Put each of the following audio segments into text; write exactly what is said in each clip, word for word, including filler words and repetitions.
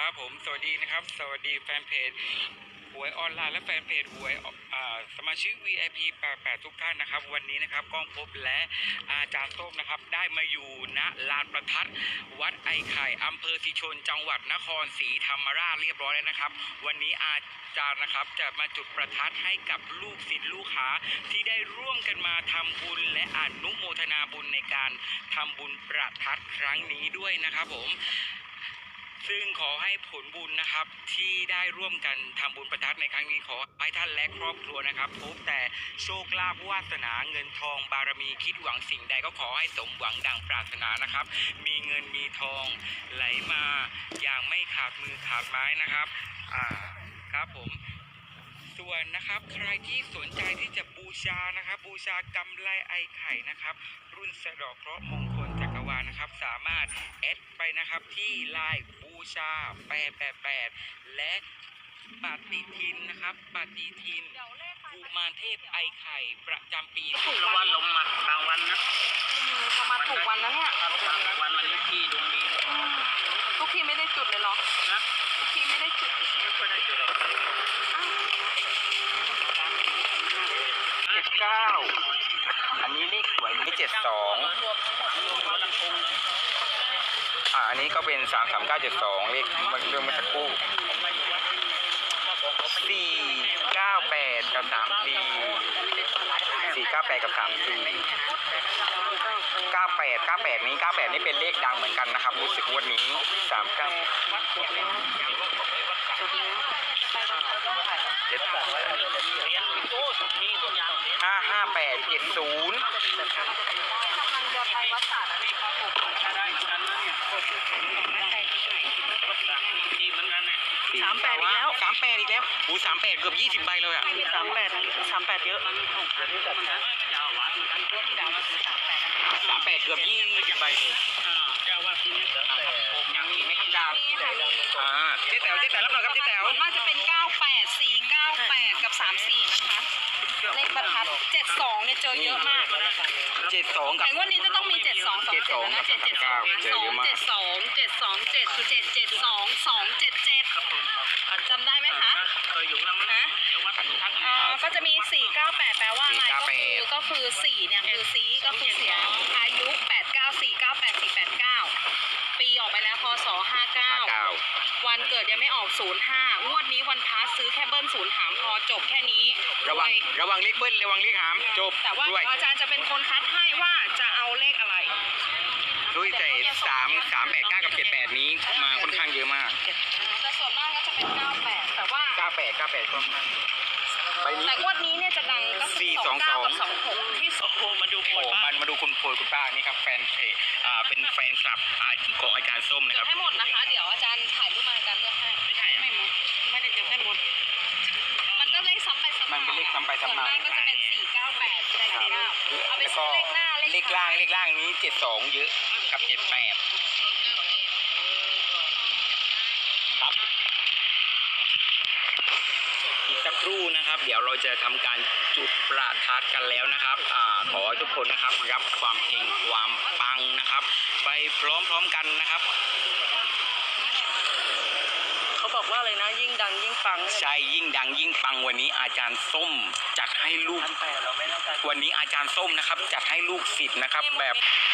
ครับผมสวัสดีนะครับสวัสดีแฟนเพจหวยออนไลน์และแฟนเพจหวยสมาชิก วี ไอ พี แปดสิบแปดทุกท่านนะครับวันนี้นะครับก้องพบและอาจารย์ส้มนะครับได้มาอยู่ณลานประทัดวัดไอไข่อำเภอศรีชนจังหวัดนครศรีธรรมราชเรียบร้อยแล้วนะครับวันนี้อาจารย์นะครับจะมาจุดประทัดให้กับลูกศิษย์ลูกหาที่ได้ร่วมกันมาทำบุญและอนุโมทนาบุญในการทำบุญประทัดครั้งนี้ด้วยนะครับผมซึ่งขอให้ผลบุญนะครับที่ได้ร่วมกันทำบุญประทัดในครั้งนี้ขอให้ท่านและครอบครัวนะครับพบแต่โชคลาภวาสนาเงินทองบารมีคิดหวังสิ่งใดก็ขอให้สมหวังดังปรารถนานะครับมีเงินมีทองไหลมาอย่างไม่ขาดมือขาดไม้นะครับอ่าครับผมส่วนนะครับใครที่สนใจที่จะบูชานะครับบูชากำไลไอไข่นะครับรุ่นสะดอกเคราะห์มงคลจักรวาลนะครับสามารถแอดไปนะครับที่ไลน์บูชาแปดแปดแปดและปฏิทินนะครับปฏิทินกุมารเทพไอไข่ประจำปีถูกรางวัลลงมากลางวันนะประมาณถูกวันนะเนี่ยถูกวันวันนี้ที่ดวงดีทุกทีไม่ได้จุดเลยหรอนะทุกทีไม่ได้จุดไม่ค่อยได้จุดหรอกเจ็ดเก้าอันนี้เลขสวยนี่เจ็ดสองอ่าอันนี้ก็เป็นสามสามเก้าเจ็ดสองเลขมันเรื่องเมื่อสักครู่สี่เก้าแปดกับสามสี่สี่เก้าแปดกับสามสี่เก้าแปดเก้าแปดนี้เก้าแปดนี่เป็นเลขดังเหมือนกันนะครับรู้สึกวันนี้สามเก้าเจ็ดห้าห้าแปดเจ็ดศูนย์สามแปดอีกแล้วสามแปดอีกแล้วอู้สามแปดเกือบยี่สิบใบเลยอ่ะสามแปดสามแปดเยอะสามแปดเกือบยี่สิบใบเลยยังมีไม่ครับดาวอ่าเจ๊แต๋วเจ๊แต๋วรับหน่อยครับเจ๊แต๋วน่าจะเป็นเก้าแปดสี่เก้าแปดกับสามสี่นะคะเลขประทัดเจ็ดสองเนี่ยเจอเยอะมากเจ็ดสองกับแต่วันนี้จะต้องมีเจ็ดสองสองเจ็ดนะเจ็ดเจ็ดสองสองเจ็ดสองเจ็ดสองเจ็ดคือเจ็ดเจ็ดสองสองเจ็ดเจ็ดจำได้ไหมคะเคยอยู่แล้วนะอ่าก็จะมีสี่เก้าแปดแปลว่าอะไรก็คือก็คือสี่เนี่ยคือสีก็คือเสียอายุแปดเก้าสี่เก้าแปดสี่แปดเก้าปีออกไปแล้วพศห้าเก้าวันเกิดยังไม่ออกศูนย์ห้างวดนี้วันพาซื้อแค่เบิ้ลศูนย์หามพอจบแค่นี้ระวังระวังเลขเบิ้ลระวังเลขหามจบแต่ว่าอาจารย์จะเป็นคนคัดให้ว่าจะเอาเลขอะไรด้วยแต่สามสามแปดเก้ากับเจ็ดแปดนี้มาค่อนข้างเยอะมากแต่ส่วนมากก็จะเป็นเก้าแปดแต่ว่าเก้าแปดเก้าแปดก็แต่งวดนี้เนี่ยจะดังก็คือสองเก้ากับสองหกที่โอ้โหมาดูโผล่มันมาดูคุณโผล่คุณป้านี่ครับแฟนเพจอ่าเป็นแฟนคลับอ่าของอาจารย์ส้มนะครับให้หมดนะคะเดี๋ยวอาจารย์ถ่ายรูปมาอาจารย์เลือกให้ไม่ใช่ไม่หมดไม่ได้เจอให้หมดมันก็เลขซ้ำไปซ้ำมามันเป็นเลขซ้ำไปซ้ำมาส่วนมากก็จะเป็นสี่เก้าแปดแปดเก้าเอาไปซื้อเลขหน้าเลขล่างเลขล่างนี้เจ็ดสองเยอะกับเจ็ดแปดครับอีกสักครู่นะครับเดี๋ยวเราจะทำการจุดประทัดกันแล้วนะครับอ่าขอทุกคนนะครับรับความเฮงความปังนะครับไปพร้อมๆกันนะครับเขาบอกว่าอะไรนะยิ่งดังยิ่งปังใช่ยิ่งดังยิ่งปังวันนี้อาจารย์ส้มจัดให้ลูกวันนี้อาจารย์ส้มนะครับจัดให้ลูกศิษย์นะครับแบบ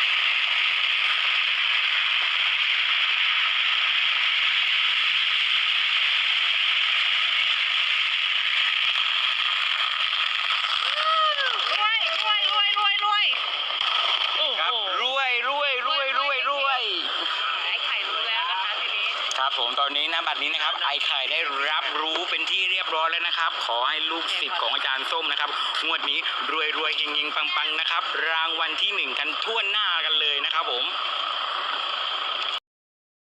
ครับผมตอนนี้นะบัดนี้นะครับไอไข่ได้รับรู้เป็นที่เรียบร้อยแล้วนะครับขอให้ลูกศิษย์ของอาจารย์ส้มนะครับงวดนี้รวยรวยเฮงเฮงปังปังนะครับรางวัลที่หนึ่งกันทั่วหน้ากันเลยนะครับผม